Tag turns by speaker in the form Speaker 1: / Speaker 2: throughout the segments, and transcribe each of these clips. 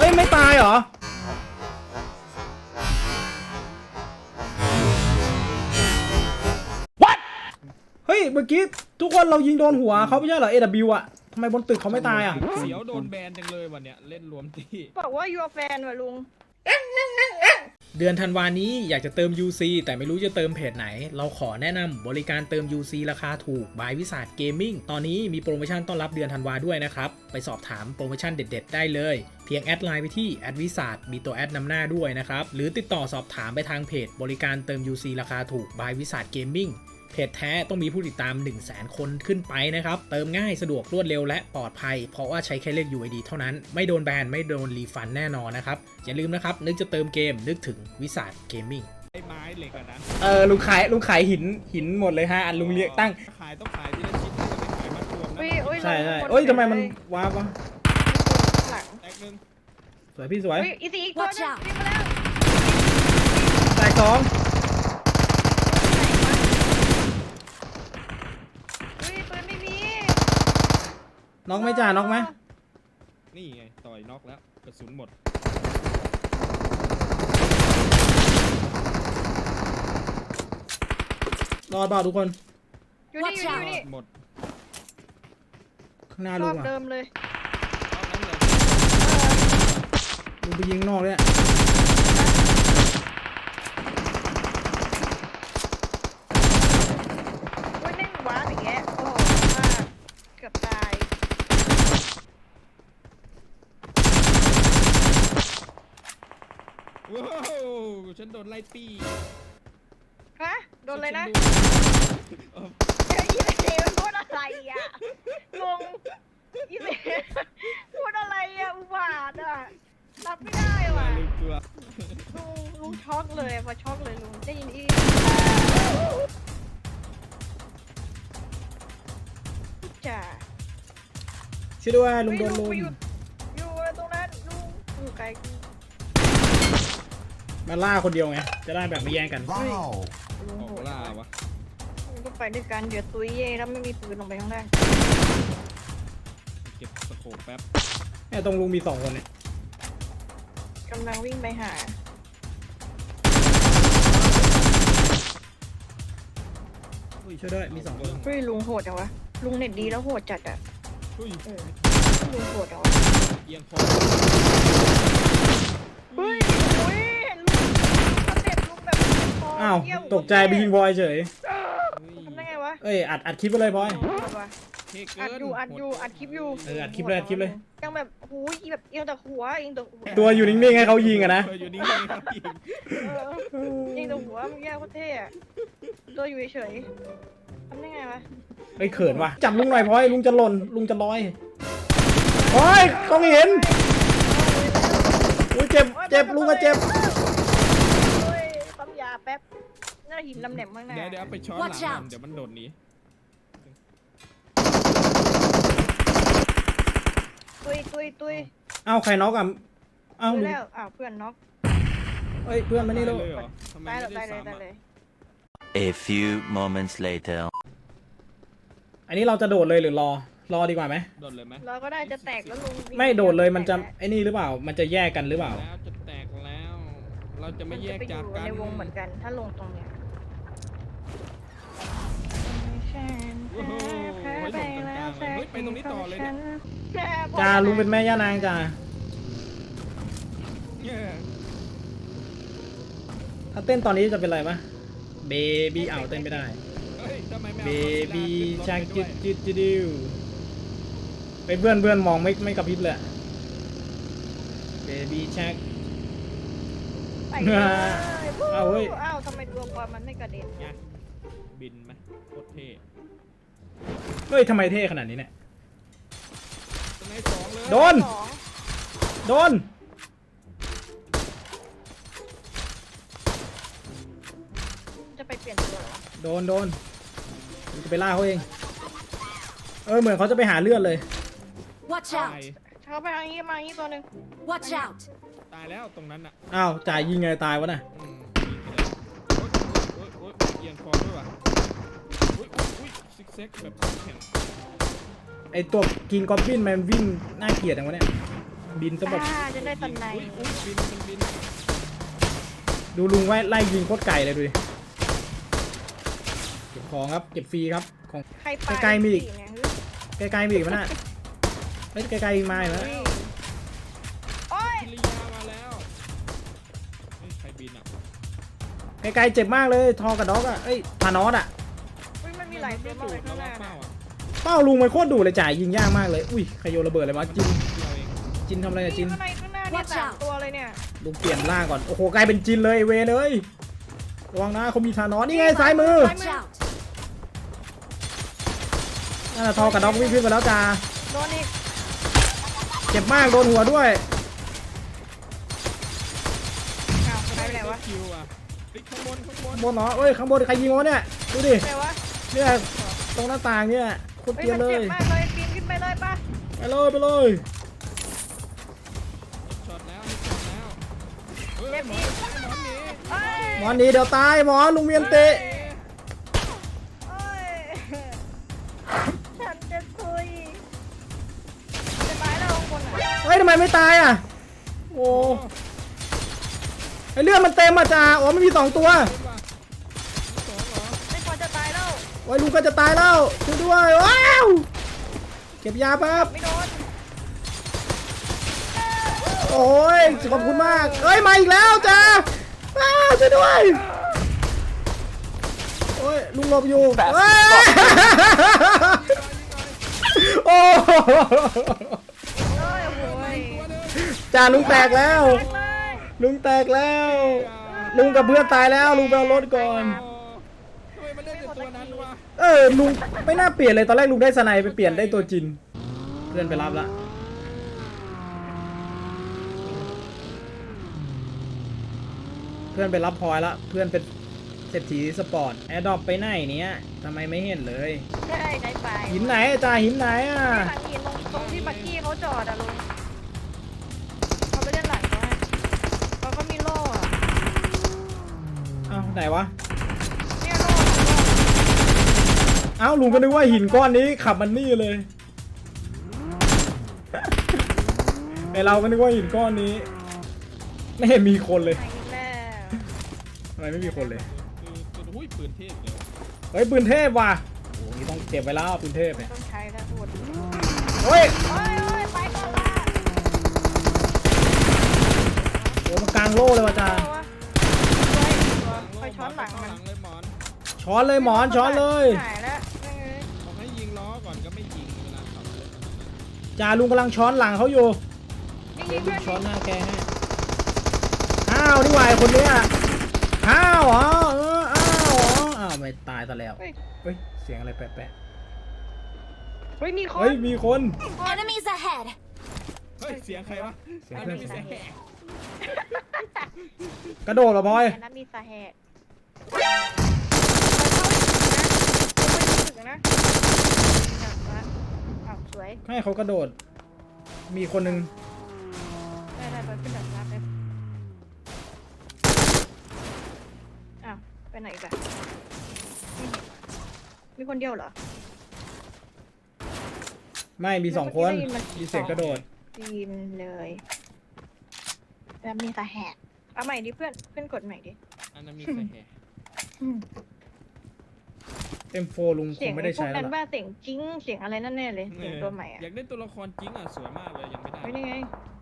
Speaker 1: ไม่ตายเหรอเฮ้ยเมื่อกี้ทุกคนเรายิงโดนหัวเขาไม่ใช่เหรอ AW อ่ะทำไมบนตึกเขาไม่ตายอ่ะ
Speaker 2: เสียวโดนแบนจังเลยวันเนี้ยเล่นรวมที่
Speaker 3: บอกว่า your fan ว่ะลุง
Speaker 1: เดือนธันวานี้อยากจะเติม UC แต่ไม่รู้จะเติมเพจไหนเราขอแนะนำบริการเติม UC ราคาถูก by วิสาทเกมมิ่งตอนนี้มีโปรโมชั่นต้อนรับเดือนธันวาด้วยนะครับไปสอบถามโปรโมชั่นเด็ดๆได้เลยเพียงแอดไลน์ไปที่แอดวิสาทมีตัวแอดนำหน้าด้วยนะครับหรือติดต่อสอบถามไปทางเพจบริการเติม UC ราคาถูก by วิสาทเกมมิ่งเพจแท้ต้องมีผู้ติดตาม 100,000 คนขึ้นไปนะครับเติมง่ายสะดวกรวดเร็วและปลอดภัยเพราะว่าใช้แค่เลข UID เท่านั้นไม่โดนแบนไม่โดนรีฟันแน่นอนนะครับอย่าลืมนะครับนึกจะเติมเกมนึกถึงวิสาทเกมมิ่ง
Speaker 2: ไอ้ไม้เหล็กอะนะ
Speaker 1: ลุงขายหินหมดเลยฮะอันลุงเรียกตั้ง
Speaker 2: ขายต้องขายที่ละชิ้นจะไม่ขายมัดรวมนะ
Speaker 1: ใช่เอ้ยทำไมมันว้าวะ
Speaker 2: แตกหนึ่ง
Speaker 1: สวยพี่สวย
Speaker 3: อีซีอีกตัวนึงวิ่งมาแล้ว
Speaker 1: แตกสอง
Speaker 3: ปืนไม่มี
Speaker 1: น็อกไหมจ่าน็อกไหม
Speaker 2: นี่ไงต่อยน็อกแล้วกระสุนหมด
Speaker 1: รอดเปล่าทุกคน
Speaker 3: อยู่นี่
Speaker 2: หมด
Speaker 1: ข้างหน้าร ลุ
Speaker 3: อง บ
Speaker 1: อ่ะ
Speaker 3: เดิมเลย
Speaker 2: รอบนั้นเลย
Speaker 1: ลุงไปยิงนอกเลย
Speaker 3: เล่นวาร์ปอย่างเงี้ยโอ้มากเกือบตาย
Speaker 2: ว้าวฉันโดนไล่ปี้
Speaker 3: ฮะโดนเลยนะอีเซมันพูดอะไรอ่ะงงอีเซพูดอะไรอ่ะอุบาทอ่ะรับไม่ได้ว่ะลุงช็อกเลยพอช็อกเลยลุงได้ยินอีจ้า
Speaker 1: ช่วยด้วยลุงโดนลุง
Speaker 3: อยู่ตรงนั้นลุงอยู่ไกล
Speaker 1: มาล่าคนเดียวไงจะได้แบบไม่แย่งกัน
Speaker 2: ออกล่าวะ
Speaker 3: ก็ไปด้วยกันเดี๋ยวตุ้ยเย่แล้วไม่มีปืนลงไปข้างล่าง
Speaker 2: เก็บสโคปแป๊บ
Speaker 1: เนี่ยตรงลุงมี2 คนเนี่ย
Speaker 3: กำลังวิ่งไปหา
Speaker 1: ช่วยด้วยมี2 คน
Speaker 3: เฮ้ยลุงโหดจังวะลุงเน็ตดีแล้วโหดจัดอ่ะลุงโหดจังวะ
Speaker 2: เอียงคอ
Speaker 3: เฮ้ยเห็นลุงสเต็ปลุงแบบ
Speaker 1: อ้าวตกใจไปยิงบอยเฉย
Speaker 3: ทำได้ไงวะ
Speaker 1: อัดคลิปไปเลยบอย
Speaker 3: อัดคลิปอยู่
Speaker 1: อัดคลิปเลย
Speaker 3: ยังแบบหูยแบบเอียงแต่หัว
Speaker 1: ตัวอยู่นิ่งๆให้เขายิงอะนะ
Speaker 2: อยู่นิ่งๆให้เขายิง
Speaker 3: ยิงแต่หัวมันแย่โคตรเท่อะตัวอยู่เฉยทำได้ไงวะ
Speaker 1: เขินว่ะจับลุงหน่อยพอยลุงจะหล่นลุงจะลอยโอ้ยต้องเห็นอุ้ยเจ็บลุงก็เจ็บ
Speaker 3: ปั๊มยาแป๊บน่าหินลำแหนมมากนะ
Speaker 2: เดี๋ยวไปช้อนหลังเดี๋ยวมันโดดหนี
Speaker 3: ตุย
Speaker 1: เอ้าใครน็อกอ่ะเอ้า
Speaker 3: แล้วเพื่อนน็อก
Speaker 1: เพื่อนมานี่ลูก
Speaker 3: ตายเลย
Speaker 4: A few moments later
Speaker 1: อันนี้เราจะโดดเลยหรือรอดีกว่าไหม
Speaker 2: โดดเลยไหม
Speaker 3: เราก็ได้จะแตกแล้วลุง
Speaker 1: ไม่โดดเลยมันจะไอ้นี่หรือเปล่ามันจะแยกกันหรือเปล่า
Speaker 2: แล้วจะแตกแล้วเราจะไม่แยกจากกัน
Speaker 3: ในวงเหมือนกันถ้าลงตรงเนี้ย
Speaker 2: ไปตรงนี้ต่อเลยเนี่ย
Speaker 1: จ่าลุงเป็นแม่ย่านางจ่าถ้าเต้นตอนนี้จะเป็นอะไรปะเบบี้เต้นไม่ได้เบบี้ชักจิดดิวไปเพื่อนมองไม่กระพริบเลยเบบี้ชัก
Speaker 3: เอาเฮ้ยทำไมดวงบอลมันไม่กระเด็น
Speaker 2: บินไหมโคตรเท่
Speaker 1: เฮ้ยทำไมเท่ขนาดนี้เนี่ยโดน
Speaker 3: จะไปเปลี่ยนตัว
Speaker 1: โดนจะไปล่าเขาเองเหมือนเขาจะไปหาเลือดเลย
Speaker 5: Watch out
Speaker 3: เขาไปทางนี้มาอย่างนี้ตัวหนึ่ง
Speaker 5: Watch out
Speaker 2: ตายแล้วตรงนั้นอ่ะ
Speaker 1: อ้าวจ่ายยิงไงตายวะน่ะ
Speaker 2: เอียงคอด้วยว่ะซิกแซกแบบแข็ง
Speaker 1: ไอตัวกินกอบบินมันวิ่งน่าเกลียดจังวะเนี่ยบินซะแบบ
Speaker 3: จะได้ตันใน
Speaker 2: อุ้ยบินมันบิน
Speaker 1: ดูลุงไว้ไล่ยิงโคตรไก่เลยดูดิเก็บของครับเก็บฟรีครับของ
Speaker 3: ใครไป
Speaker 1: ไกลๆมีอีก
Speaker 3: เนี่ย
Speaker 1: ไกลๆมีอีกมั้ยน่ะเฮ้ยไกลๆอีกมาอีกแล้ว
Speaker 3: โอ้ย
Speaker 2: พิริยามาแล้วเฮ้ยใครบินอ่ะ
Speaker 1: ไกลๆเจ็บมากเลยทอกับด็อกอ่ะเอ้ยธานอสอ่ะ
Speaker 3: อุ๊ยมันมีหลายตัวมากเลยข้างหน้า
Speaker 2: เป้า
Speaker 3: น่ะ
Speaker 2: อ่ะ
Speaker 1: เป้าลุงมันโคตรดุเลยจ่ายยิงยากมากเลยอุ้ยใครโยนระเบิดอะไรวะจิน
Speaker 2: เราเอง
Speaker 1: จินทำอะไรอะจิน
Speaker 3: ข้างในข้างหน้าเนี่ย
Speaker 5: Watch
Speaker 3: สาม
Speaker 5: out
Speaker 3: ตัวเลยเนี่ย
Speaker 1: ลุงเปลี่ยนร่างก่อนโอ้โหกลายเป็นจินเลยเวรเลยระวังนะเขามีธานอสนี่ไงซ้ายมือ
Speaker 5: Watch out!
Speaker 1: นั่นแหละทอกับด็อกวิ่งขึ้นไปแล้วจ้า
Speaker 3: โดนอีก
Speaker 1: เจ็บมากโดนหัวด้วย
Speaker 3: อ้าวไปไหนวะ
Speaker 2: คิวอ่ะเฮ้ยข้างบน
Speaker 1: ข้างบนเนาะเอ้ยข้างบนใครยิงวะเนี่ยดูดิ
Speaker 3: ไหนวะ
Speaker 1: เนี่ยตรงหน้าต่างเนี่ยโคตร
Speaker 3: เฮ้ย
Speaker 1: เกลียด
Speaker 3: มัน
Speaker 1: เล
Speaker 3: เจ็
Speaker 1: ย
Speaker 3: บมากเลยปีนขึ้นไปเลยป่ะ
Speaker 1: ไปเลยไปเลย
Speaker 2: ช็อตแล้วช็อตแล้วเฮ้ย
Speaker 3: เจ็บ
Speaker 2: หม
Speaker 3: อี
Speaker 2: อก นหนี
Speaker 3: เอ้ย
Speaker 1: หมอหนีเดี๋ยวตายหมอลุงเมียนเตะ
Speaker 3: เอ้ยฉันจะคุยจะตายแล้วข้างบนอ่ะ
Speaker 1: เฮ้ยทำไมไม่ตายอ่ะโอ้ไอเลือดมันเต็มอ่ะจ้าโอ้ไม่มี2ตัว
Speaker 2: เล่นว่ะมีสองเหรอ
Speaker 3: ไม่พอจะตายแล้ว
Speaker 1: โอ้ยลุงก็จะตายแล้วช่วยด้วยว้าวเก็บยาแป๊บ
Speaker 3: ไม่โดน
Speaker 1: โอ้ยขอบคุณมากเอ้ยมาอีกแล้วจ้าอ้าวช่วยด้วยโอ้ยลุงหลบอยู่เอ้ยโอ้
Speaker 3: เอ้ยโอ้ย
Speaker 1: จ่าลุงแตกแล้ว
Speaker 3: แตกเลย
Speaker 1: ลุงแตกแล้ว ลุงกับเพื่อนตายแล้วลุงไปเอารถก่อน
Speaker 2: ทำไมมันเล่นแต่ตัวนั้นวะ
Speaker 1: ลุงไม่น่าเปลี่ยนเลยตอนแรกลุงได้สไนไปเปลี่ยนได้ตัวจิน เพื่อนไปรับละเพื่อนไปรับพลอยละเพื่อนเป็นเศรษฐีสปอร์ตแอร์ดรอปไปไหนเนี้ยทำไมไม่เห็นเลย
Speaker 3: ใช่ไหนไป
Speaker 1: หินไหนจ่าหินไหนอ่ะ
Speaker 3: หลังหินตรงที่บักกี้เขาจอดอะลุงเขาไปเล่นหลังเขาให้เขาก็มีโล่อะ
Speaker 1: เอ้าไหนวะ
Speaker 3: เนี่ยโล่
Speaker 1: เอ้าลุงก็นึกว่าหินก้อนนี้ขับมันนี่เลย ไอเราก็นึกว่าหินก้อนนี้ ไม่เห็นมีคนเลย
Speaker 3: ไหนแม่
Speaker 1: ทำไมไม่มีคนเลย
Speaker 2: คือหุ้ยปืนเทพเลย
Speaker 1: เฮ้ยปืนเทพว่ะโอ้ยต้องเก็บไว้แล้วปืนเทพเนี่ย
Speaker 3: ต้องใช้แล้วพูด
Speaker 1: เฮ้ย
Speaker 3: โอ้ยไปก่อนละ
Speaker 1: โอ้มันกลางโล่เลยว่ะจ้า
Speaker 3: เอาวะไปช้อนหลัง
Speaker 2: เข้า
Speaker 3: มั
Speaker 2: ห
Speaker 3: น
Speaker 2: ลังเลยหมอน
Speaker 1: ช้อนเลยหมอนช้อนเลย
Speaker 3: หายแล้วนั่นไง
Speaker 2: บอกให้ยิงล้อก่อนก็ไม่ยิงเวลาขับรถ
Speaker 1: จ่าลุงกำลังช้อนหลังเขาอยู่
Speaker 3: ยิงๆเพื่อน
Speaker 1: ช้อนหน้าแกให้อ้าวนี่หว่าไอ้คนเนี้ยอ้าวเหรออ้าวเหรออ้าวไม่ตายซะแล้ว
Speaker 3: เฮ้ย
Speaker 1: เฮ้ยเสียงอะไรแปลก
Speaker 3: เฮ้ยมีค
Speaker 1: ๆ
Speaker 3: น
Speaker 1: เฮ้ยมีคน
Speaker 5: Enemies ahead!
Speaker 2: เฮ้ยเสียงใครวะ
Speaker 1: เสียงเพื่อน
Speaker 2: มีเสียงแหก
Speaker 1: กระโดดเหรอพลอย
Speaker 3: อันนั้นมีสาเหตุเข้านะอ้าวสวย
Speaker 1: ให้เขากระโดด มีคนหนึ่ง
Speaker 3: ได้ไปขึ้นดับรับเลยอ้าวไปไหนอีกอะมีคนเดียวเหรอ
Speaker 1: ไม่มี2 คน มีเสียงกระโดด
Speaker 3: จีนเลยแล้วมีสาเหตุเอาใหม่ดิเพื่อนกดใหม่ดิ
Speaker 2: อันนั้นมีเสียงแหก
Speaker 1: M4 ลุงค
Speaker 3: เสีย
Speaker 1: ง
Speaker 3: ง
Speaker 1: ไม่ได้
Speaker 3: พวก
Speaker 1: ใช้แล้ว
Speaker 3: นั้น
Speaker 1: ล่ะ
Speaker 3: ว่าเสียงจิ้งเสียงอะไรนั่นแน่เลยเสียงตัวใหม่อะ
Speaker 2: อยากได้ตัวละครจริงอ่ะสวยมากเลยยังไม่ได้
Speaker 3: ไม่ได้ไง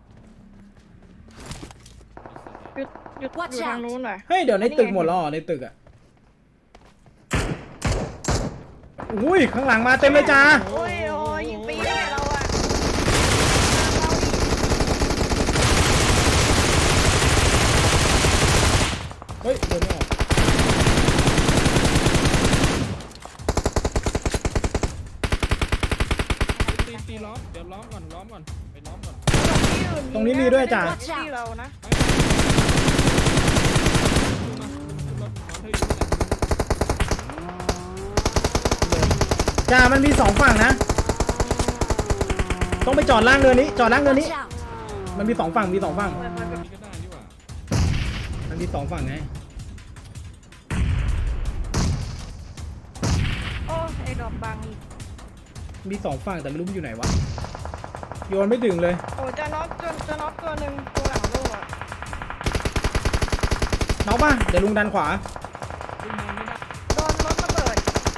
Speaker 3: หยุด
Speaker 5: Watch
Speaker 3: อยู่ทาง
Speaker 5: out
Speaker 3: นู้นหน่อย
Speaker 1: เฮ้ยเดี๋ยวในตึกหมดแล้วเหรอในตึกอ่ะอุ้ยข้างหลังมาเต็มเลยจ้า
Speaker 3: โอ้ยยิงปีนเนี่ยเราอะ
Speaker 1: เฮ้ยเดินไม่ออก
Speaker 2: ตีล้อมเดี๋ยวล้อมก่อนไปล้อมก่อน
Speaker 1: ตรงนี้มีด้วยจ้ะ
Speaker 3: ที่เรานะ
Speaker 2: ขึ้นมาขึ้นรถนอนเธออยู่ที่ไหน
Speaker 1: จ้ามันมี2 ฝั่งนะ ต้องไปจอดล่างเรือนี้ จอดล่างเรือนี้
Speaker 5: Watch out!
Speaker 1: มันมี2 ฝั่งมี2 ฝั่ง
Speaker 2: นี่ก็ได้นี่หว่า
Speaker 1: มันมี2 ฝั่งไง
Speaker 3: โอ้ไอ้ดอกบางอีก
Speaker 1: มี2 ฝั่งแต่ไม่รู้มันอยู่ไหนวะโยนไม่ถึงเลย
Speaker 3: โอ้จะน็อกตัวหนึ่งตัวหลังโล่อะ
Speaker 1: น็อกป่ะเดี๋ยวลุงดันขวา
Speaker 2: ลุงมองไม่ได้
Speaker 3: โดนรถระเบิด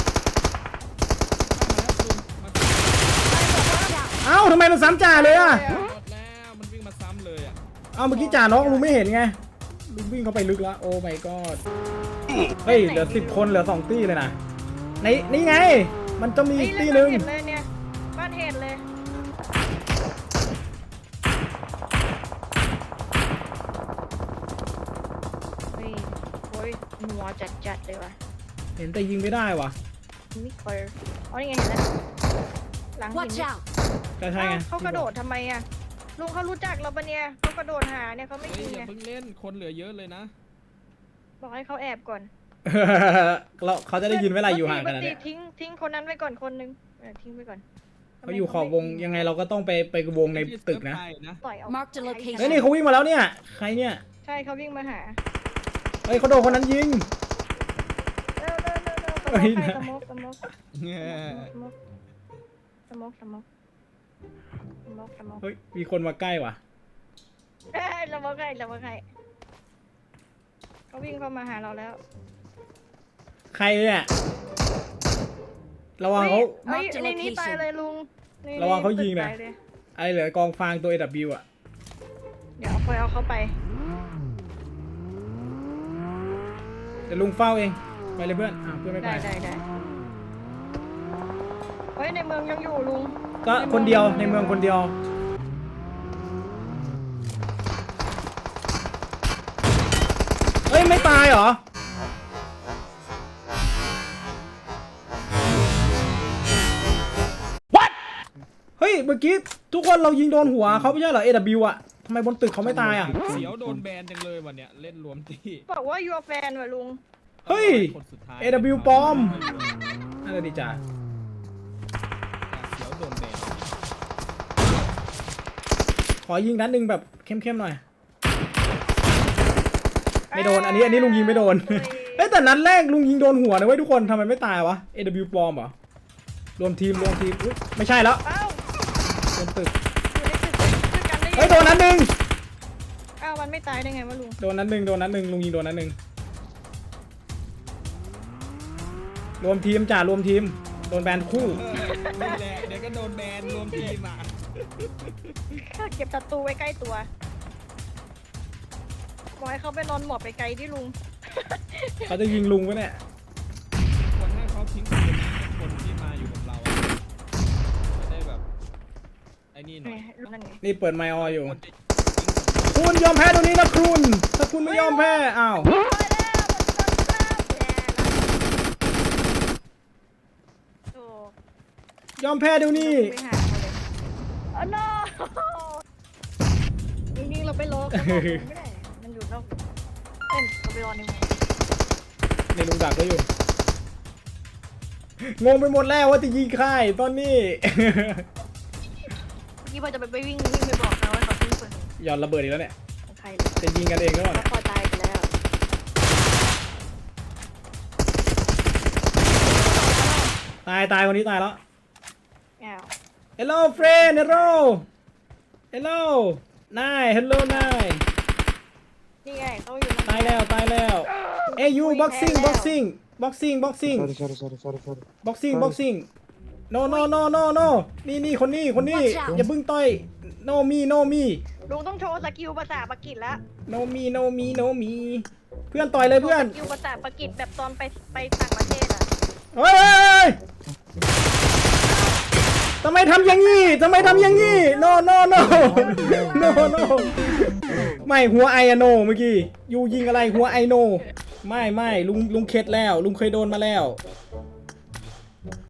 Speaker 2: มา
Speaker 5: Watch out!
Speaker 1: เอ้าทำไมมันซ้ำจ่าเลยอ่ะ
Speaker 2: หมดแล้วมันวิ่งมาซ้ำเลยอ่ะ
Speaker 1: เอ้าเมื่อกี้จ่าน็อกลุงไม่เห็นไงลุงวิ่งเข้าไปลึกแล้วโอ้ my god เฮ้ยเหลือ10 คนเหลือ2 ตี้เลยนะนี่ไง มันจะมีอีกตี้หนึ่ง
Speaker 3: เห็นเลยเนี่ยบ้านเห็นเลยเฮ้ยโอ้ยหัวจัดเลยว่ะ
Speaker 1: เห็นแต่ยิงไม่ได้ว่ะ
Speaker 3: ไม่เคยอ๋อนี่ไงเห็นแล้วหลังหิ
Speaker 5: Watch
Speaker 3: น
Speaker 5: out!
Speaker 1: ก็ใช่ไง
Speaker 3: เขากระโดดทำไมอ่ะลุงเขารู้จักเราปะเนี่ยเขากระโดดหาเนี่ยเขาไม่
Speaker 2: เฮ้ย
Speaker 3: ยิง
Speaker 2: อย่า
Speaker 3: ไง
Speaker 2: เพิ่งเล่นคนเหลือเยอะเลยนะ
Speaker 3: บอกให้เขาแอบก่อน
Speaker 1: เราเขาจะได้ยินเวลาอยู่ห่างกันนะ
Speaker 3: ป
Speaker 1: เนี่ย
Speaker 3: ทิ้งคนนั้นไว้ก่อนคนนึงทิ้งไว้ก่อน
Speaker 1: เขาอยู่ขอบวงยังไงเราก็ต้องไปวงในตึกนะ
Speaker 3: ปล่อยเอา
Speaker 5: Mark the location
Speaker 1: เฮ้ยนี่เขาวิ่งมาแล้วเนี่ยใครเนี่ย
Speaker 3: ใช่เขาวิ่งมาหา
Speaker 1: เฮ้ยเขาโดนคนนั้นยิง
Speaker 3: เร็ว
Speaker 1: เฮ้ย
Speaker 3: สโมก
Speaker 1: เฮ้ยมีคนมาใกล้ว่ะ
Speaker 3: สโมกใครเขาวิ่งเข้ามาหาเราแล้ว
Speaker 1: ใครเนี่ยระวังเขา
Speaker 3: เฮ้ยในนี้ตายเลยลุง
Speaker 1: ระวังเขายิงนะ
Speaker 3: ตาเลย
Speaker 1: ไอเหลือกองฟางตัว AW อ่ะ
Speaker 3: เดี๋ยวเอาเขาไป
Speaker 1: เดี๋ยวลุงเฝ้าเองไปเลยเพื่อนเพื่อนไม่ไป
Speaker 3: ได้เฮ้ยในเมืองยังอยู่ลุง
Speaker 1: ก็คนเดียวในเมืองคนเดียวเฮ้ยไม่ตายเหรอเฮ้ยเมื่อกี้ทุกคนเรายิงโดนหัวเขาไม่ใช่เหรอ AW อ่ะทำไมบนตึกเขาไม่ตายอ่ะ
Speaker 2: เสียวโดนแบนจังเลยวันเนี้ยเล่นรวมที่
Speaker 3: บอกว่า your fan ว่ะลุง
Speaker 1: เฮ้ย
Speaker 2: คนสุดท้าย
Speaker 1: AW ปลอมน่าจะดีจ้า
Speaker 2: เสียวโดนแบน
Speaker 1: ขอยิงนัดหนึ่งแบบเข้มๆหน่อยไม่โดนอันนี้ลุงยิงไม่โดนเฮ้ยแต่นัดแรกลุงยิงโดนหัวนะเว้ยทุกคนทำไมไม่ตายวะ AW ปลอมเหรอรวมทีมอุ๊ยไม่ใช่แล้ว
Speaker 3: เอ้า
Speaker 1: บนตึก
Speaker 3: อยู่ในตึกด้วยกันได้ยังไง
Speaker 1: เฮ้ยโดนนัดหนึ่ง
Speaker 3: อ้าวมันไม่ตายได้ไงวะลุง
Speaker 1: โดนนัดหนึ่งลุงยิงโดนนัดหนึ่งรวมทีมจ่ารวมทีมโดนแบนคู่
Speaker 2: นี่แหละเดี๋ยวก็โดนแบนรวมทีมอ่ะ
Speaker 3: เก็บศัตรูไว้ใกล้ตัวบอกให้เขาไปนอนหมอบไปไกลที่ลุง
Speaker 1: เขาจะยิงลุงวะเนี่ย
Speaker 2: ควรให้เขาทิ้งคนนี้เป็นคนที่มาอยู่กับเราอะจะได้แบบไอ้นี่หน่อย
Speaker 3: นั่นไง
Speaker 1: นี่เปิดไมค์อออยู่
Speaker 2: คนจะ
Speaker 1: คุณยอมแพ้ตรงนี้นะคุณถ้าคุณไม่ยอมแพ้อ้าว
Speaker 3: ไปแล้วโอ้
Speaker 1: ยอมแพ้เดี๋ยวนี้
Speaker 3: ไปหาเขาเลยอ๋อ no จริงๆเราไปรอเขาบอกไม่ได้มันอยู่นอกเราไปรอในเมือง
Speaker 1: นี่ลุงดักก็อยู่ งงไปหมดแล้วว่าจะยิงใครตอนนี้
Speaker 3: พี่พอจะไปวิ่งไปบอกเขาว่าเขาทิ้งปืน
Speaker 1: หย่อนระเบิดอีกแล้วเนี่ย
Speaker 3: ของใครเลย
Speaker 1: จะยิงกันเองแล้วเหรอ
Speaker 3: แล้วพอตายไปแล้ว
Speaker 1: ตายคนนี้ตายแล้ว
Speaker 3: อ้าว
Speaker 1: Hello friend Hello นาย Hello นาย
Speaker 3: นี่ไงเขาอยู่
Speaker 1: ตายแล้วเอ้ยยูบ็อกซิ่ง boxing no นี่คนนี้
Speaker 5: Watch out
Speaker 1: อย่าเพิ่งต่อย no me
Speaker 3: ลุงต้องโชว์สกิลภาษาปากีสแล้ว
Speaker 1: no me เพื่อนต่อยเลยเพื่อน
Speaker 3: สกิลภาษาปากีสแบบตอนไปต่างประเทศอ่ะ
Speaker 1: เฮ้ยทำไมทำอย่างนี้ no ไม่หัวไออะโนเมื่อกี้ยูยิงอะไรหัวไอโนไม่ลุงเข็ดแล้วลุงเคยโดนมาแล้ว